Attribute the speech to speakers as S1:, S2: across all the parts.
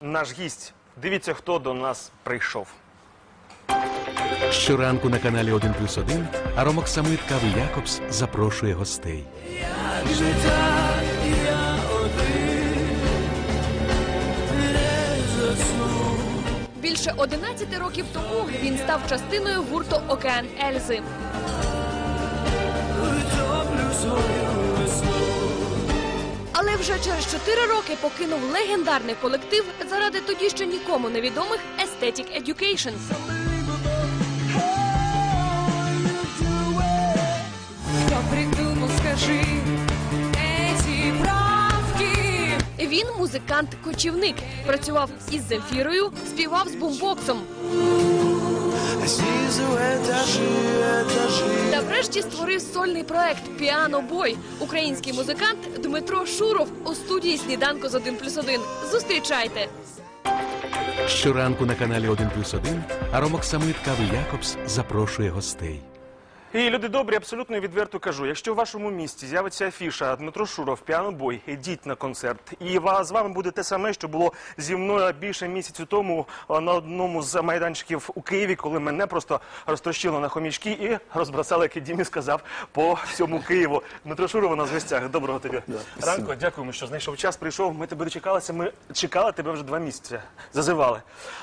S1: наш гість. Дивіться, хто до нас прийшов.
S2: Щоранку на каналі 1+1 аромоксамит Кави Якобс запрошує гостей.
S3: Більше 11 років тому він став частиною гурту «Океан Ельзи». Але вже через 4 роки покинув легендарний колектив заради тоді ще нікому невідомих Aesthetic Education.
S4: Кто придумал, скажи, эти правки?
S3: Він музикант-кочівник, працював із Земфірою, співав з бумбоксом. Та врешті створив сольний проект «Піано Бой». Український музикант Дмитро Шуров у студії «Сніданку з 1+1». Зустрічайте!
S2: Щоранку на каналі 1+1 аромоксамит Кави Якобс запрошує гостей.
S1: І, люди добрі, абсолютно відверто кажу, якщо в вашому місті з'явиться афіша «Дмитро Шуров, Піано Бой», ідіть на концерт. І з вами буде те саме, що було зі мною більше місяцю тому на одному з майданчиків у Києві, коли мене просто розтрощило на хомячки і розбросали, як і Дімі сказав, по всьому Києву. Дмитро Шуров у нас в гостях. Доброго тобі ранку. Дякуємо, що знайшов час, прийшов. Ми тебе дочекалися, ми чекали тебе вже 2 місяці, зазивали.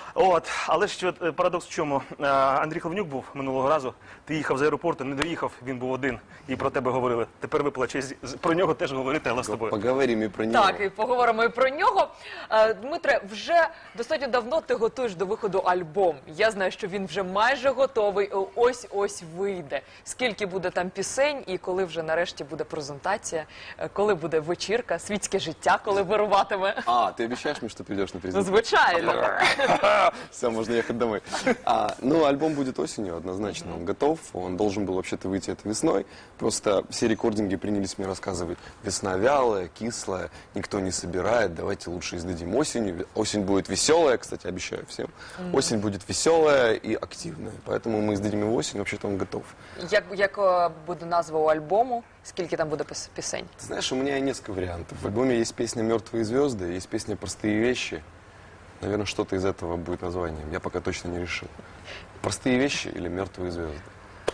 S1: Але що парадокс в чому? Андрій Хлевнюк був минулого разу, ти їхав з аеропорту, не доїхав, він був один, і про тебе говорили. Тепер випала честь про нього теж говорити, але з тобою.
S5: Поговоримо і про нього.
S6: Так, і поговоримо і про нього. Дмитре, вже достатньо давно ти готуєш до виходу альбом. Я знаю, що він вже майже готовий, ось-ось вийде. Скільки буде там пісень і коли вже нарешті буде презентація, коли буде вечірка, світське життя, коли вируватиме?
S5: Ты обещаешь мне, что придешь на презентацию?
S6: Звичайно.
S5: Все, можно ехать домой. Альбом будет осенью, однозначно. Он готов. Он должен был вообще-то выйти это весной. Просто все рекординги принялись мне рассказывать. Весна вялая, кислая, никто не собирает. Давайте лучше издадим осенью. Осень будет веселая, кстати, обещаю всем. Осень будет веселая и активная. Поэтому мы издадим его осенью. Вообще-то он готов.
S6: Як буде назва у альбому? Скільки там буде пісень?
S5: Ты знаешь, у меня несколько вариантов. В альбоме есть песня «Мертвые звезды», есть песня «Простые вещи». Наверное, что-то из этого будет названием. Я пока точно не решил. «Простые вещи» или «Мертвые звезды».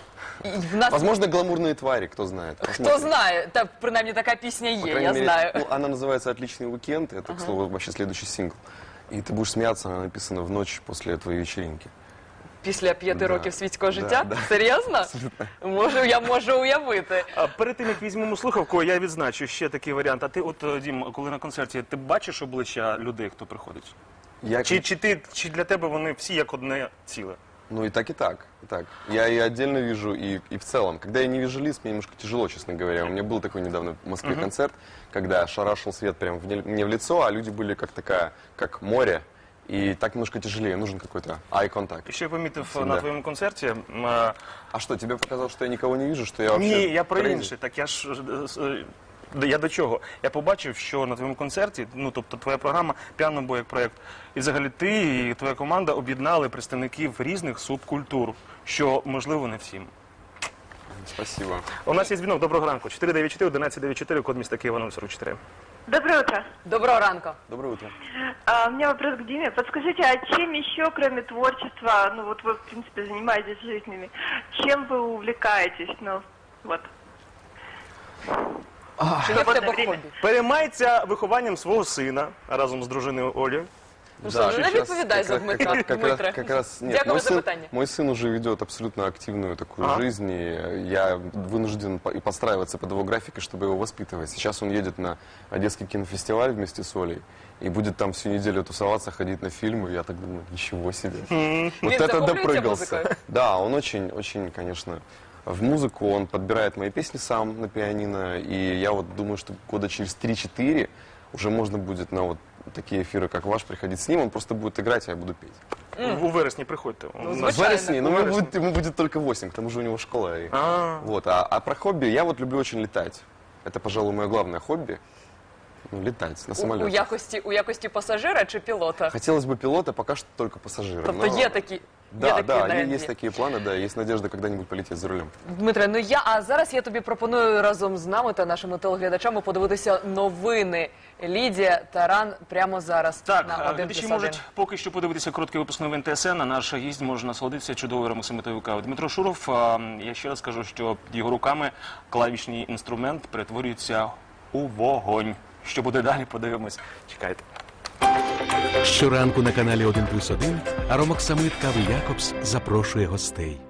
S5: Возможно, «Гламурные твари», кто знает.
S6: Хто знає? Та, принаймні, така пісня є, я знаю.
S5: Она называется «Отличный уикенд». Это, к слову, вообще следующий сингл. И ты будешь смеяться, она написана в ночь после твоей вечеринки.
S6: Після 5 років світського життя?
S5: Да.
S6: Серйозно? Я можу уявити.
S1: Перед тим, як візьмемо слухавку, я відзначу ще такий варіант. А ти, Дім, коли на концерті, ти бачиш обличчя людей, хто приходить? Чи для тебе вони всі як одне ціле?
S5: Ну и так, и так. Я и отдельно вижу, и в целом. Когда я не вижу лиц, мне немножко тяжело, честно говоря. У меня был такой недавно в Москве концерт, когда шарашил свет прямо мне в лицо, а люди были как море. И так немножко тяжелее, нужен какой-то eye contact.
S1: Ще помітив на твоєму концерті.
S5: А что, тебе показалось, что я никого не вижу, что я вообще...
S1: Ні, я про інше. Так я до чого? Я побачив, що на твоєму концерті, тобто твоя програма «Піано Бой» як проєкт, і взагалі ти і твоя команда об'єднали представників різних субкультур, що можливо не всім.
S5: Спасибо.
S1: У нас є дзвінок. Доброго ранку. 494-1194, код міста Києва 044.
S7: Доброе утро.
S6: Доброго ранку.
S5: Доброе утро.
S7: У меня вопрос к Диме. Подскажите, а чем еще, кроме творчества, вы, в принципе, занимаетесь жизнями, чем вы увлекаетесь?
S6: Чи є в тебе хобі?
S1: Переймається вихованням свого сина разом з дружиною Олею.
S6: Ну що, не відповідай за Дмитра.
S5: Как раз нет.
S6: Дякую за питання.
S5: Мой сын уже ведет абсолютно активную такую жизнь, и я вынужден и подстраиваться под его график, чтобы его воспитывать. Сейчас он едет на Одесский кинофестиваль вместе с Олей, и будет там всю неделю тусоваться, ходить на фильмы. Я так думаю, ничего себе. Вот это допрыгался. Да, он очень, конечно... В музыку он подбирает мои песни сам на пианино, и я вот думаю, что года через 3-4 уже можно будет на вот такие эфиры, как ваш, приходить с ним, он просто будет играть, а я буду петь.
S1: У вересні приходьте.
S5: В вересне, но ему будет только 8, к тому же у него школа. А про хобби, я вот люблю очень летать. Это, пожалуй, мое главное хобби. Летать на самолете.
S6: У якості пасажира чи пілота?
S5: Хотелось бы пилота, пока что только пассажира.
S6: Тобто є такі...
S5: Да,
S6: такі
S5: да,
S6: наразі.
S5: есть такие планы, да, есть надежда когда-нибудь полететь за рулем.
S6: Дмитре, а зараз я тобі пропоную разом з нами та нашими телеглядачами подивитися новини. Лідія Таран прямо зараз
S1: Так,
S6: на 1+1.
S1: глядачі можуть поки що подивитися короткий випуск новин ТСН, а наш гість може насолодитися чудовою аромасамитовою кавою. Дмитро Шуров, я ще раз кажу, що під його руками клавішний інструмент перетворюється у вогонь. Що буде далі, подивимось. Чекайте.
S2: Щоранку на каналі 1+1 Аромок Самит Кави Якобс запрошує гостей.